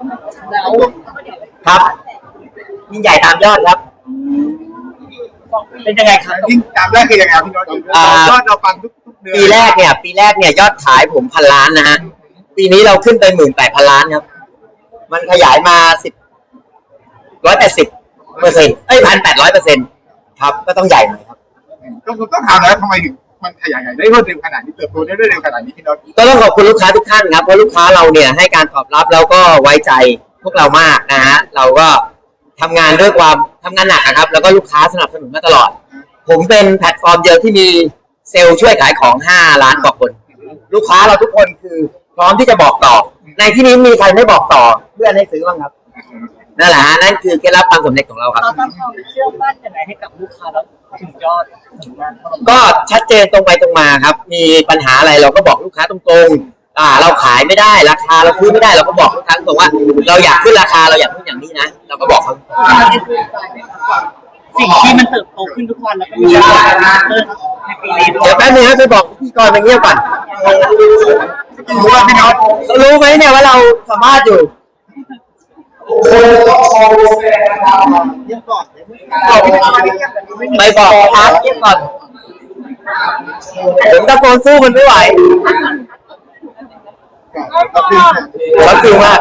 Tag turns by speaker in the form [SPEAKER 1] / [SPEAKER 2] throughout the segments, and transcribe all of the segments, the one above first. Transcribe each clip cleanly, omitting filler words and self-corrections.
[SPEAKER 1] แล้ว
[SPEAKER 2] ครับยิ่งใหญ่ตามยอดครับ
[SPEAKER 1] เป็นยังไงครับ
[SPEAKER 3] ยิ่งตามแรกคือยังไงพี่น้องยอดเราฟังทุกเดือน
[SPEAKER 2] ปีแรกเนี่ยยอดขายผม1,000 ล้านนะฮะปีนี้เราขึ้นไป18,000 ล้านครับมันขยายมา180%1,800%ครับก็ต้องใหญ่หน่อยครับ
[SPEAKER 3] ต้องถามแล้วทำไมถึงมันขยายได้รวดเร็วขนาดนี้เติบโตได้รวดเร็วขนาดนี้พี่น้อง
[SPEAKER 2] ก็ต้องขอบคุณลูกค้าทุกท่านครับเพราะลูกค้าเราเนี่ยให้การตอบรับแล้วก็ไว้ใจพวกเรามากนะฮะเราก็ทำงานด้วยความทำงานหนักนะครับแล้วก็ลูกค้าสนับสนุนมาตลอดผมเป็นแพลตฟอร์มเดียวที่มีเซลล์ช่วยขายของ5 ล้านกว่าคนลูกค้าเราทุกคนคือพร้อมที่จะบอกต่อในที่นี้มีใครไม่บอกต่อเพื่อนให้ซื้อบ้างครับนั่นแหละฮะนั่นคือเคล็ดลับความสำเร็จของเราครับ
[SPEAKER 1] เราตั้งความเชื่อมั่นยังไงให้กับลูกค้าแล้วถึงยอดถึงนั้น
[SPEAKER 2] ก็ชัดเจนตรงไปตรงมาครับมีปัญหาอะไรเราก็บอกลูกค้าตรงๆเราขายไม่ได้ราคาเราซื้อไม่ได้เราก็บอกลูกค้าตรงว่าเราอยากขึ้นราคาเราอยากขึ้นอย่างนี้นะเราก็บอกเขา
[SPEAKER 1] สิ่งที่มันเติบโตขึ้นทุกวันแล้วก็มีในปีนี้
[SPEAKER 2] เดี๋ยวแป๊บนึงครับไปบอกพี่กรณ์ไปเงียบก่อน
[SPEAKER 3] รู้ว่าพี่น้อง
[SPEAKER 2] รู้ไหมเนี่ยว่าเราสัมภาษณ์อยู่ไม่บอกครับเงียบก่อนผมตะโกนสู้มันไม่ไหวเขาคือมาก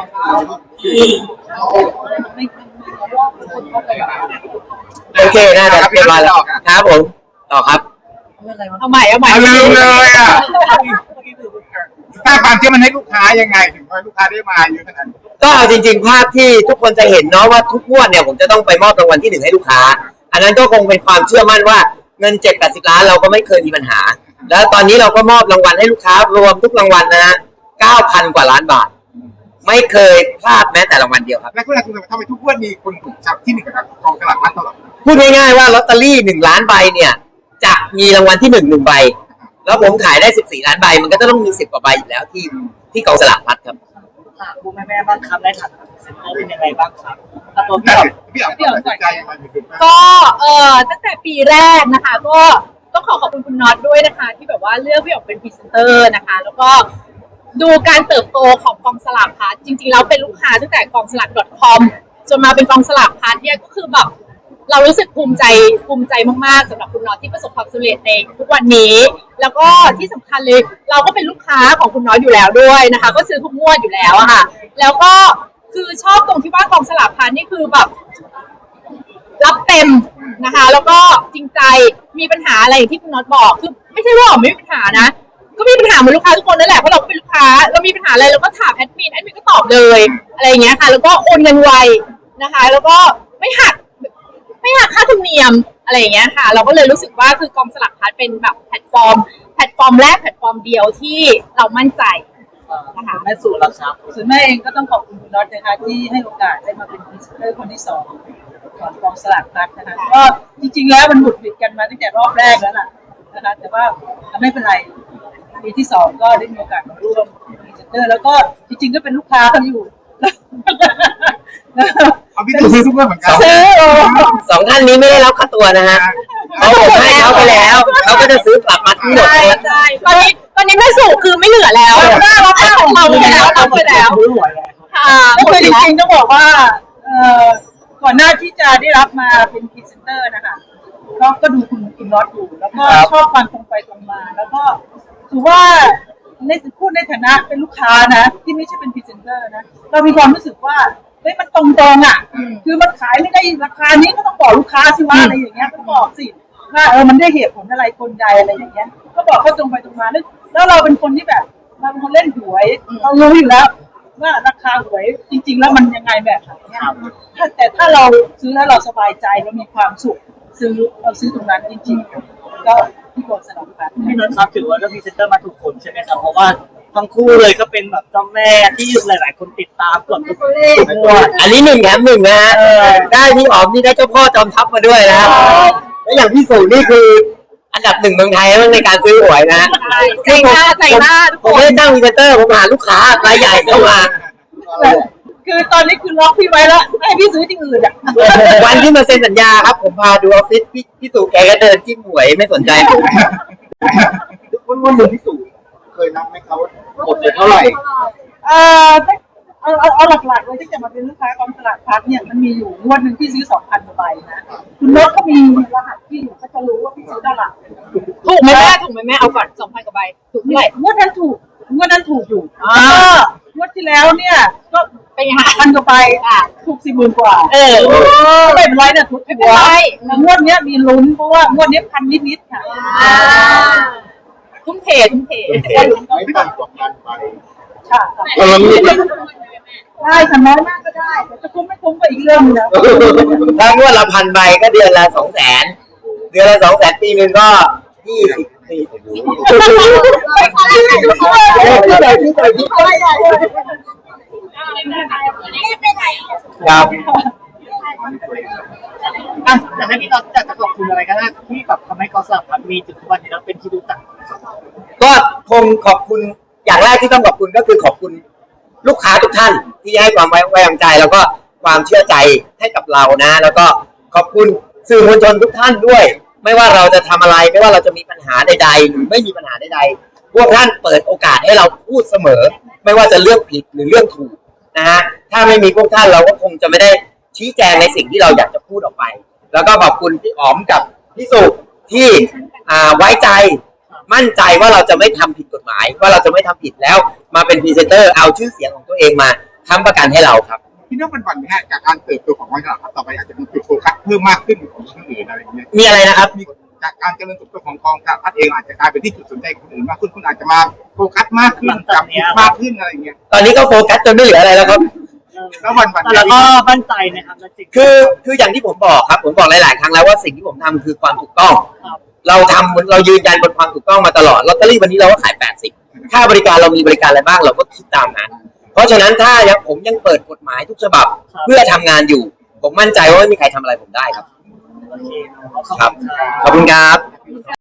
[SPEAKER 2] โอเคน่าจะเรียบร้อยแล้วครับผมต่อครับ
[SPEAKER 1] เอาใหม่
[SPEAKER 3] ลืมเลยอ่ะสร้างความเชื่อมั่นให้ลูกค้ายังไงถึงให้ลูกค้าได้มาเยอะขนาดนี้
[SPEAKER 2] ก็จริงๆภาพที่ทุกคนจะเห็นเนาะว่าทุกงวดเนี่ยผมจะต้องไปมอบรางวัลที่1ให้ลูกค้าอันนั้นก็คงเป็นความเชื่อมั่นว่าเงิน7-80 ล้านเราก็ไม่เคยมีปัญหาแล้วตอนนี้เราก็มอบรางวัลให้ลูกค้ารวมทุกรางวัลนะฮะ 9,000 กว่าล้านบาทไม่เคยพลาดแม้แต่รางวัลเดียวครับ
[SPEAKER 3] และคุณทำไมทุกงวดมีคนถูกจับที่1กับกองสลากพลัดตลอด
[SPEAKER 2] พูดง่ายๆว่าลอตเตอรี่1 ล้านใบเนี่ยจะมีรางวัลที่1ใบแล้วผมขายได้14 ล้านใบมันก็ต้องมี10 กว่าใบอยู่แล้วที่กองสลากพลัดครับ
[SPEAKER 1] ผู้แม่บ้างครับได้ถามเซ็นเตอร์เป็นยังไงบ้างครับตัว
[SPEAKER 3] พี่อ๋อใจยังไง
[SPEAKER 4] ก็ตั้งแต่ปีแรกนะคะก็ต้องขอบคุณคุณน็อตด้วยนะคะที่แบบว่าเลือกพี่อ๋อเป็นพรีเซนเตอร์นะคะแล้วก็ดูการเติบโตของกองสลากพลัดจริงๆแล้วเป็นลูกค้าตั้งแต่กองสลาก .com จนมาเป็นกองสลากพลัดเนี่ยก็คือแบบเรารู้สึกภูมิใจมากๆสำหรับคุณน็อตที่ประสบความสำเร็จในทุกวันนี้แล้วก็ที่สำคัญเลยเราก็เป็นลูกค้าของคุณน็อตอยู่แล้วด้วยนะคะก็ซื้อทุกงวดอยู่แล้วอะค่ะแล้วก็คือชอบตรงที่ว่ากองสลากพลัดนี่คือแบบรับเต็มนะคะแล้วก็จริงใจมีปัญหาอะไรอย่างที่คุณน็อตบอกคือไม่ใช่ว่าไม่มีปัญหานะก็มีปัญหาเหมือนลูกค้าทุกคนนั่นแหละเพราะเราก็เป็นลูกค้าเรามีปัญหาอะไรเราก็ถามแอดมินก็ตอบเลยอะไรอย่างเงี้ยค่ะแล้วก็โอนเงินไวนะคะแล้วก็ไม่หักค่าธรรมเนียมอะไรอย่างเงี้ยค่ะเราก็เลยรู้สึกว่าคือกองสลากพลัดเป็นแบบแพลตฟอร์มแรกแพลตฟอร์มเดียวที่เรามั่นใจ
[SPEAKER 1] นะคะแม่สู่เราครับส่วนแม่เองก็ต้องขอบคุณคุณน็อตนะคะที่ให้โอกาสได้มาเป็นพรีเซนเตอร์คนที่2ของกองสลากพลัดนะคะก็จริงๆแล้วมันหมุดหวิดกันมาตั้งแต่รอบแรกแล้วล่ะนะคะแต่ว่าไม่เป็นไรปีที่2ก็ได้มีโอกาสมาร่วมพรีเซนเตอร์แล้วก็จริงๆก็เป็นลูกค้าเขาอยู่
[SPEAKER 3] เอาพี่ซื้อทุกเรื่องเหมือนกัน
[SPEAKER 2] 2 ท่านนี้ไม่ได้รับค่าตัวนะฮะเขาผมให้เขาไปแล้วเขาก็จะซื้อกลับมาทั้งหมด
[SPEAKER 4] ใช่ตอนนี้แม่สู่คือไม่เหลือแล้วเราไปแล้ว
[SPEAKER 1] คือจริงๆต้องบอกว่าก่อนหน้าที่จะได้รับมาเป็นพรีเซนเตอร์นะคะก็ดูคุณน็อตอยู่แล้วก็ชอบความตรงไปตรงมาแล้วก็ถือว่าพูดในฐานะเป็นลูกค้านะที่ไม่ใช่เป็นพรีเซนเตอร์นะเรามีความรู้สึกว่าเฮ้ยมันตรงอ่ะคือมันขายไม่ได้ราคานี้ก็ต้องบอกลูกค้าสิว่าอะไรอย่างเงี้ยก็บอกสิว่ามันได้เหตุผลอะไรคนใดอะไรอย่างเงี้ยก็บอกเขาตรงไปตรงมาแล้วเราเป็นคนที่แบบเราเป็นคนเล่นหวยเรารู้อยู่แล้วว่าราคาหวยจริงๆแล้วมันยังไงแบบไหนแต่ถ้าเราซื้อแล้วเราสบายใจเรามีความสุขเราซื้อตรงนั้นจริงๆก็ที่กองสลากพลัด
[SPEAKER 5] พี่น็อตครับถือว่าเราพรีเซนเตอร์มาถูกคนใช่ไหมครับเพราะว่าทั้งคู่เลยก็เป็นแบบเจ้าแม่ที่หลายๆคนติดตามกดทุกงวด
[SPEAKER 2] อันนี้1 แถม 1นะฮะได้พี่อ๋อมนี่ได้เจ้าพ่อจอมทัพมาด้วยนะแล้วอย่างพี่สู่นี่คืออันดับ1เมืองไทยในการซื้อหวยนะ
[SPEAKER 4] ใจหน้าทุกคน
[SPEAKER 2] ผมไม่ได้ตั้งพรีเซนเตอร์ผมหาลูกค้ารายใหญ่เข้ามา
[SPEAKER 1] คือตอนนี้คือล็อกพี่ไว้แล้วให้พี่ซื้อที่อื่นอ่ะ
[SPEAKER 2] วันที่มาเซ็นสัญญาครับผมพาดูออฟฟิศพี่ตู่แกก็เดินจิ้มหวยไม่สนใจผม
[SPEAKER 3] วันหนึ่งพี่ตู่เคยนับไหมครับหมดเลยเท่าไหร่
[SPEAKER 1] เอาหลักๆเลยที่จะมาเป็นลูกค้ากองสลากพลัสเนี่ยมันมีอยู่งวดหนึ่งที่ซื้อ 2,000 กว่าใบนะคุณโน้ตก็มีรหัสที่อยู่ก็จะรู้ว่าพี่ซื้อเท่าไหร่
[SPEAKER 4] ถูกไหมแม่ถูกไหมแม่เอาก่อน2,000 กว่าใบถูกเท่าไหร่
[SPEAKER 1] งวดนั้นถูกอยู่
[SPEAKER 4] อ่า
[SPEAKER 1] แล้วก็งวดที่แล้วเนี่ยก็
[SPEAKER 4] เป็นไงคะ
[SPEAKER 1] 1,000 กว่าใบถูก 40,000 กว่าไม่เป็นไรเนี่ยถูก
[SPEAKER 4] ไม่เป็นไร
[SPEAKER 1] แล้วงวดเนี้ยมีลุ้นเพราะว่างวดเนี้ย1,000 นิดๆค่ะ
[SPEAKER 4] ทุ่มเท
[SPEAKER 3] ไม่ต่ำกว่าพันไป
[SPEAKER 1] ค่ะได้ค่ะน้อยมากก็ได้แต่จะคุ้มไม่คุ้มก็อีกเรื่องนึงนะ
[SPEAKER 2] ถ้างวดละ1,000 ใบก็เดือนละ 200,000 เดือนละ 200,000 ปีหนึ่งก็20 ปีครับ
[SPEAKER 5] แต่ถ้าพี่น็อตอยากจะขอบคุณอะไรก็ได้ที่แบบทำให้กองสลากพลัสมีจุดทุกวันนี้แล้วเป็นที่รู้จัก
[SPEAKER 2] ก็คงขอบคุณอย่างแรกที่ต้องขอบคุณก็คือขอบคุณลูกค้าทุกท่านที่ให้ความไว้วางใจแล้วก็ความเชื่อใจให้กับเรานะ แล้วก็ขอบคุณสื่อมวลชนทุกท่านด้วย ไม่ว่าเราจะทำอะไรไม่ว่าเราจะมีปัญหาใดๆหรือไม่มีปัญหาใดๆพวกท่านเปิดโอกาสให้เราพูดเสมอ ไม่ว่าจะเรื่องผิดหรือเรื่องถูกนะฮะถ้าไม่มีพวกท่านเราก็คงจะไม่ได้ชี้แจงในสิ่งที่เราอยากจะพูดออกไป แล้วก็ขอบคุณพี่อ๋อมกับพี่สุที่ไว้ใจมั่นใจว่าเราจะไม่ทำผิดกฎหมายว่าเราจะไม่ทำผิดแล้วมาเป็นพรีเซนเตอร์เอาชื่อเสียงของตัวเองมาค้ำประกันให้เราครับ
[SPEAKER 3] พี่น้องเป็นวันนี้จากการเติบโตของกองสลากพลัสต่อไปอาจจะมีจุดโฟกัสเพิ่มมากขึ้นของคนอื่นอะไรอย่างเงี้ย
[SPEAKER 2] มีอะไรนะครับ
[SPEAKER 3] จากการเจริญเติบโตของกองสลากพลัสเองอาจจะกลายเป็นที่จุดสนใจของคนอื่นมากขึ้นคุณอาจจะมาโฟกัสมากขึ้นจับผิดมากขึ้นอะไรอย่างเงี้ย
[SPEAKER 2] ตอนนี้ก็โฟกัสจนไม่เหลืออะไรแล้วครับ
[SPEAKER 3] แล้ววัน
[SPEAKER 5] แต่เราก็มั่นใจนะครับในสิ่ง
[SPEAKER 2] คืออย่างที่ผมบอกครับผมบอกหลายๆครั้งแล้วว่าสิ่งที่ผมทำคือความถูกต้อง เรายืนยันบนความถูกต้องมาตลอดลอตเตอรี่วันนี้เราก็ขาย80ค่าบริการเรามีบริการอะไรบ้างเราก็คิดตามนั้นเพราะฉะนั้นถ้าผมยังเปิดกฎหมายทุกฉบับเพื่อทำงานอยู่ผมมั่นใจว่าไม่มีใครทำอะไรผมได้ครับ
[SPEAKER 5] โอเค
[SPEAKER 2] ครับขอบคุณครับ